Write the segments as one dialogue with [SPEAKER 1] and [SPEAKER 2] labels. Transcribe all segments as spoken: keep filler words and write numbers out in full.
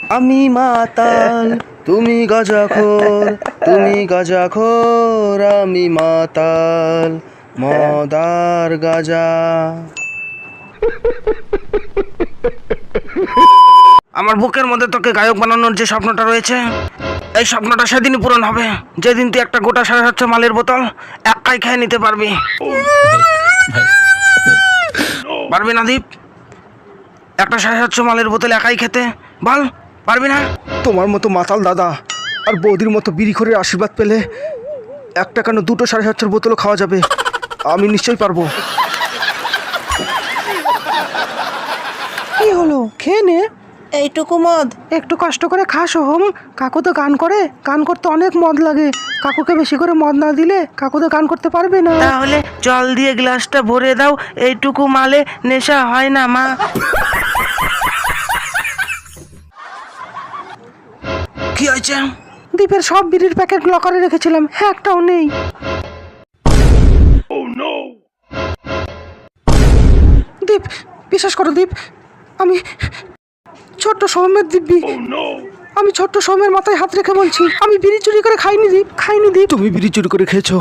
[SPEAKER 1] আমি মাতাল তুমি গাঁজাখোর, তুমি গাঁজাখোর আমি মাতাল, মদ আর গাঁজা। আমার বুকের মধ্যে তোকে গায়ক বানানোর যে স্বপ্নটা রয়েছে, এই স্বপ্নটা সেদিনই পূরণ হবে যেদিন তুই একটা গোটা সাড়ে সাতশো মালের বোতল একাই খেয়ে নিতে পারবি। পারবি না দীপ? একটা সাড়ে সাতশো মালের বোতল একাই খেতে বল, পারবি না?
[SPEAKER 2] তোমার মতো মাতাল দাদা আর বৌদির মতো বিড়িখোরের আশীর্বাদ পেলে একটা কেন দুটো সাড়ে সাতশোর বোতলও খাওয়া যাবে। আমি নিশ্চয়ই পারবো।
[SPEAKER 3] কি হলো, খেয়ে নে এইটুকু মদ। একটু কষ্ট করে খা সোহম। কাকু তো গান করে, গান করতে অনেক মদ লাগে। কাকুকে বেশি করে মদ না দিলে কাকু তো গান করতে পারবে না।
[SPEAKER 1] তাহলে জল দিয়ে গ্লাসটা ভরে দাও, এইটুকু মালে নেশা হয় না মা। কি হয়েছে?
[SPEAKER 3] দীপের সব বিড়ির প্যাকেট লকারে রেখেছিলাম, হ্যাঁ একটাও নেই। দীপ, বিশ্বাস করো দীপ, আমি ছোট্ট সৌমের দিব্যি। আমি ছোট্ট সৌমের মাথায় হাত রেখে বলছি, আমি বিড়ি চুরি করে খাইনি দীপ, খাইনি দীপ।
[SPEAKER 2] তুমি বিড়ি চুরি করে খেয়েছো?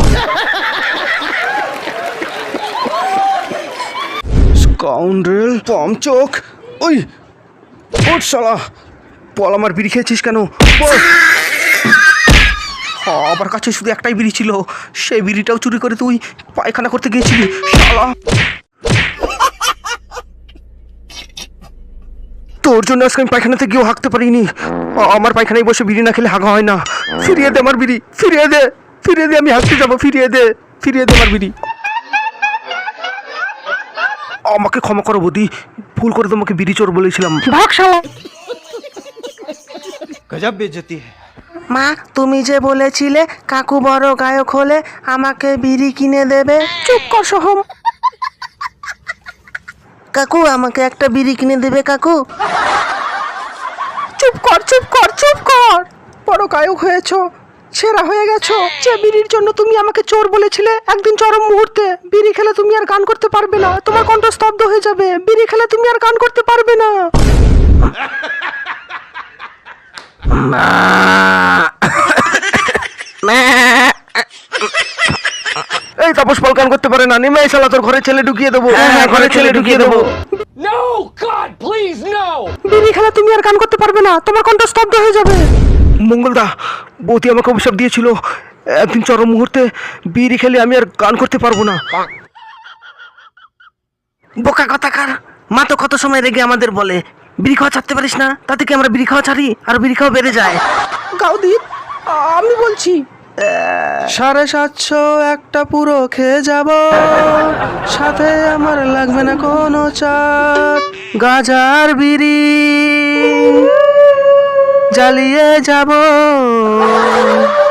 [SPEAKER 2] স্কাউন্ড্রেল, পমচোক, ওই ওঠ শালা, বল আমার বিড়ি খেয়েছিস কেন বল। আমার কাছে শুধু একটাই বিড়ি ছিল, সেই বিড়িটাও চুরি করে তুই পায়খানা করতে গিয়েছিলি শালা। তোর জন্য আজকে আমি পায়খানাতে গিয়েও হাঁকতে পারিনি। আমার পায়খানায় বসে বিড়ি না খেলে হাগা হয় না। ফিরিয়ে দে আমার বিড়ি, ফিরিয়ে দে, ফিরিয়ে দে, আমি হাঁকতে যাবো, ফিরিয়ে দে, ফিরিয়ে দে আমার বিড়ি। আমাকে ক্ষমা করো বৌদি, ভুল করে তোমাকে বিড়ি চোর বলেছিলাম।
[SPEAKER 3] ভাগ শালা।
[SPEAKER 2] গজব বেজতি।
[SPEAKER 1] মা, তুমি যে বলেছিলে কাকু বড় গায়ক হলে আমাকে বিড়ি কিনে দেবে।
[SPEAKER 3] চুপ কর সোহম।
[SPEAKER 1] কাকু আমাকে একটা বিড়ি কিনে দেবে কাকু।
[SPEAKER 3] চুপ কর, চুপ কর, চুপ কর। বড় গায়ক হয়েছো, সেরা হয়ে গেছো। যে বিড়ির জন্য তুমি আমাকে চোর বলেছিলে, একদিন চরম মুহূর্তে বিড়ি খেলে তুমি আর গান করতে পারবে না, তোমার কণ্ঠ স্তব্ধ হয়ে যাবে। বিড়ি খেলে তুমি আর গান করতে পারবে না।
[SPEAKER 2] এই তাপস পাল গান করতে পারে না, নেমে এই শালা তোর ঘরে ছেলে ঢুকিয়ে দেবো। হ্যাঁ, ঘরে ছেলে ঢুকিয়ে দেবো।
[SPEAKER 4] No! God, please, no!
[SPEAKER 3] বিড়ি খেলে তুমি আর গান করতে পারবে না, তোমার কণ্ঠ স্তব্ধ হয়ে যাবে।
[SPEAKER 2] মঙ্গলদা, বৌদি আমাকে অভিশাপ দিয়েছিল, একদিন চরম মুহূর্তে বিড়ি খেলে আমি আর গান করতে পারবো না।
[SPEAKER 1] বোকা কথাকার, মা তো কত সময় রেগে আমাদের বলে বিড়ি খাওয়া ছাড়তে পারিস না, তাতে কি আমরা বিড়ি খাওয়া ছাড়ি আর বিড়ি খাওয়া বেড়ে যায়।
[SPEAKER 3] গাও দীপ, আমি বলছি।
[SPEAKER 1] সাড়ে সাতশো একটা পুরো খেয়ে যাব, সাথে আমার লাগবে না কোনো চাট, গাজার বিড়ি জ্বালিয়ে যাব।